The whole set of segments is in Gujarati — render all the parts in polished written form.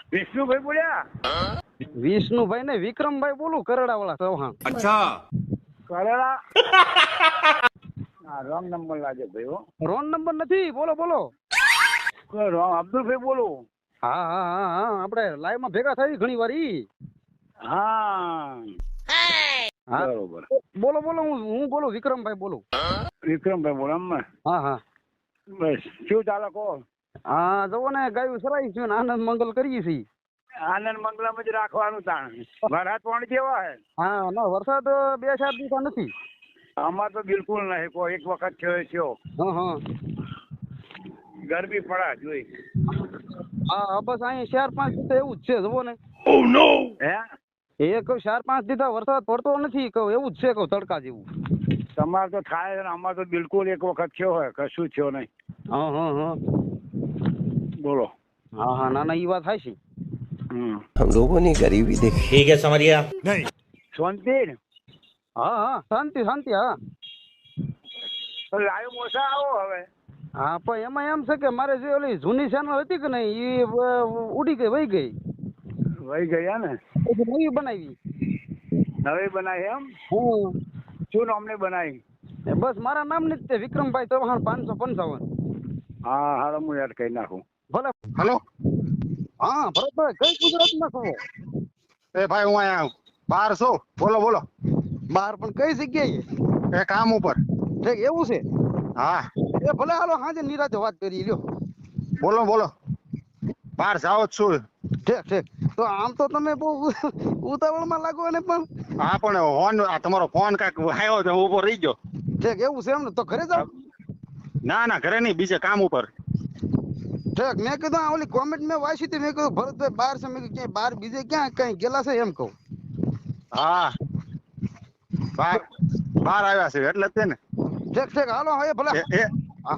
વિષ્ણુભાઈ બોલ્યા? વિષ્ણુભાઈ ને વિક્રમભાઈ બોલું, કરેડા વાળા ચૌહાણ. અચ્છા. કરેલા? હા, રોંગ નંબર લાગે ભાઈ. હો, રોંગ નંબર નથી, બોલો બોલો. રોંગ. અબ્દુલભાઈ બોલું. હા હા હા હા, આપણે લાઈવ માં ભેગા થઈ ઘણી વાર ઈ. હા, હા બરોબર. બોલો બોલો, હું બોલું, વિક્રમભાઈ બોલું. વિક્રમભાઈ બોલો એમ ને? હા હા બસ શું ચાલે કહો? હા, જવો ને ગાયું સરાઈ છે ને આનંદ મંગલ કરીએ છીએ. આનંદ મંગલમ જ રાખવાનું તાણ. વરસાદ પાણી કેવા હે? હા ના, વરસાદ 2-4 દિવસ નથી. અમાર તો બિલકુલ નહીં. કોઈ એક વખત થયો. હા હા ગરમી પડા જોઈ. હા, બસ અહીંયા 4-5 દિવસ એવું જ છે, જવો ને. Oh no. હે, એ કહું 4-5 દિવસ વરસાદ પડતો નથી, કહું એવું જ છે, કહું તડકા જેવું. તમારે તો થાય ને, અમાર તો બિલકુલ એક વખત થયો હોય, કશું થયો નહીં. હા હા હા બોલો. હા હા, ના ના, ઈ વાત થાય છે. हम लोगों ने गरीबी देखी. ठीक है समझिया. नहीं. શાંતિ ને? હા હા, શાંતિ શાંતિ. હા તો લાઈવ મોસા આવો હવે. હા, પણ એમાં એમ છે કે મારે જે ઓલી જૂની ચેનલ હતી કે નહીં, એ ઉડી ગઈ, વહી ગઈ. વહી ગયા ને? પછી નવી બનાવી. નવી બનાવી એમ? હું શું નામને બનાવી? બસ મારા નામ ની જ તે, વિક્રમભાઈ ચૌહાણ 555. હા, હાલો હું યાદ કરી નાખું. ભલે. હેલો. હા ભરતભાઈ, કઈ ગુજરાતમાં છો? એ ભાઈ હું અહીંયા બહાર છું. બોલો બોલો. બહાર પણ કઈ જગ્યાએ? એ કામ ઉપર. ઠીક, એવું છે? હા એ ભલે, હાલો હાજે નિરાતે વાત કરી લ્યો. બોલો બોલો. બહાર જાવ જ છું. ઠીક ઠીક. તો આમ તો તમે બહુ ઉતાવળમાં લાગો ને પણ. હા પણ ફોન, આ તમારો ફોન કાંઈક આવ્યો તો હું ઉભો રહી ગયો. ઠીક, એવું છે એમ ને? તો ઘરે જાવ. ના ના, ઘરે નહીં, બીજે કામ ઉપર. ઠીક, મેં કીધું આ ઓલી કોમેન્ટ મેં વાંચી હતી, મેં કીધું ભરતભાઈ બહાર છે, મેં કીધું ક્યાંય બહાર બીજે ક્યાં કઈ ગયેલા છે એમ કહું. હા, બહાર બહાર આવ્યા છે એટલે જ તે ને. ઠીક ઠીક, હાલો હવે ભલે. એ એ હા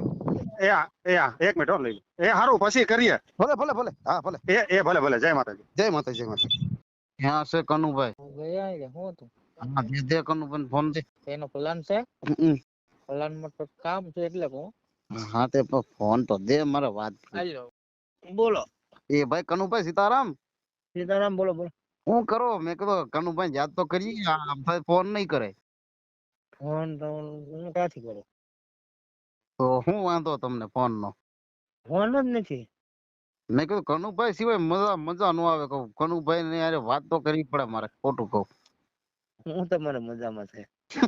એક મિનિટ હો, લઈ લો. એ સારું, પછી કરીએ. ભલે ભલે ભલે. હા ભલે. એ ભલે ભલે. જય માતાજી. જય માતા, જય માતા. ક્યાં છે કનુભાઈ? ગયા એટલે શું હતું? હા, દે કનુભાઈ ફોન દે. એનો પ્લાન છે, હમ. પ્લાન માં તો કામ છે એટલે કહું. હા, તે ફોન તો દે, મારે વાત. હાલો બોલો. એ ભાઈ કનુભાઈ સીતારામ. સીતારામ બોલો બોલો. હું કરો? મેં કીધું કનુભાઈ યાદ તો કરીએ, આ ભાઈ ફોન નહીં કરે. ફોન તો હું ક્યાંથી કરું? તો શું વાંધો તમને ફોન નો? ફોન જ નથી. મેં કીધું કનુભાઈ સિવાય મજા મજા નો આવે, કહું કનુભાઈ ને યાર વાત તો કરવી પડે મારે, ખોટું કહું. હું તમારે મજામાં છે.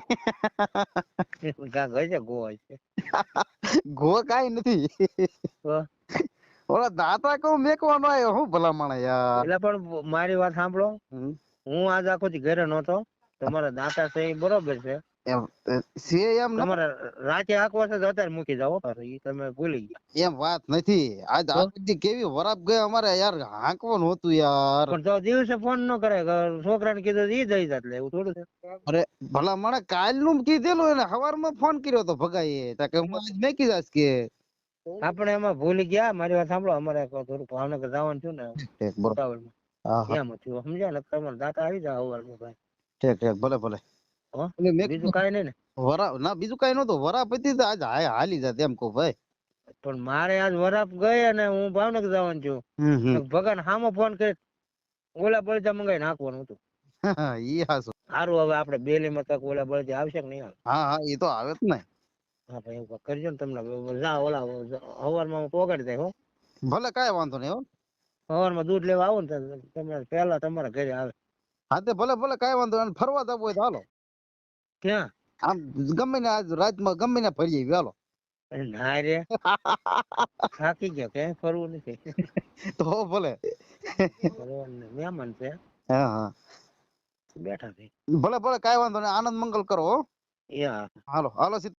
કાંક હશે ગોવા છે. ગો કાઈ નથી. તો ઓલા દાતા કહું મેકવાનો આવ્યો, હું ભલા માણસ યાર. એટલે પણ મારી વાત સાંભળો. હું આજ આખો દી ઘરે નહોતો. તમારા દાતા છે એ બરોબર છે. એમ છે એમ નથી. તમારે રાતે આખવા છે તો અત્યારે મૂકી જાઓ. એ તમે ભૂલી ગયા. એમ વાત નથી. આજ આખી કેવી વરાપ ગઈ અમારે યાર, હાંકવાનું હતું યાર. પણ તો દિવસે ફોન ન કરે, છોકરાને કીધું ઈ જઈ જાત, એટલે એવું થોડું છે. અરે ભલા મને કાલ નું કીધેલું, એને સવારમાં ફોન કર્યો તો ભગાઈએ, કે હું આજ મેકી જાશ કે. આપણે એમાં ભૂલી ગયા. મારી વાત સાંભળો, અમારે થોડું ભાવનગર જવાનું થયું ને, ઠીક બરોબર. ઉતાવળમાં. હા હા એમ થયું, સમજ્યા ને? તમારા દાતા આવી જાવ સવારમાં ભાઈ. ઠીક ઠીક, ભલે ભલે. હો? એટલે મેં બીજું કાંઈ નહીં ને? વરા ના, બીજું કઈ નતું. વરા પતી તો આજ હાલી જાત એમ કહું ભાઈ. પણ મારે આજ વરાપ ગઈ અને હું ભાવનગર જવાનું છું. ભગવાન સામો ફોન કરી ઓલા બળજા મંગાવી નાખવાનું હતું. ઈ હાસુ. સારું, હવે આપણે બેલીમાં તક ઓલા બળજા આવશે કે નહીં આવે? હા હા, એ તો આવે જ ને. હા ભાઈ, એવું કરજો ને. તમને જા ઓલા સવારમાં પોગાડી દે. હો, ભલે, કાંઈ વાંધો નહીં. હો, સવારમાં દૂધ લેવા આવો ને તમે પહેલા તમારા ઘરે આવે. હા તે ભલે ભલે, કાંઈ વાંધો નહીં. ફરવા જવું હોય તો હાલો. ક્યાં? આમ ગમે ને આજ રાતમાં ગમે ને ફરી આવી હાલો. ના રે, થાકી ગયો, ક્યાંય ફરવું નથી. તો ભલે. મહેમાન છે, હા હા, બેઠા છે. ભલે ભલે, કાંઈ વાંધો નહીં. આનંદ મંગલ કરો. હો, યા હાલો હાલો.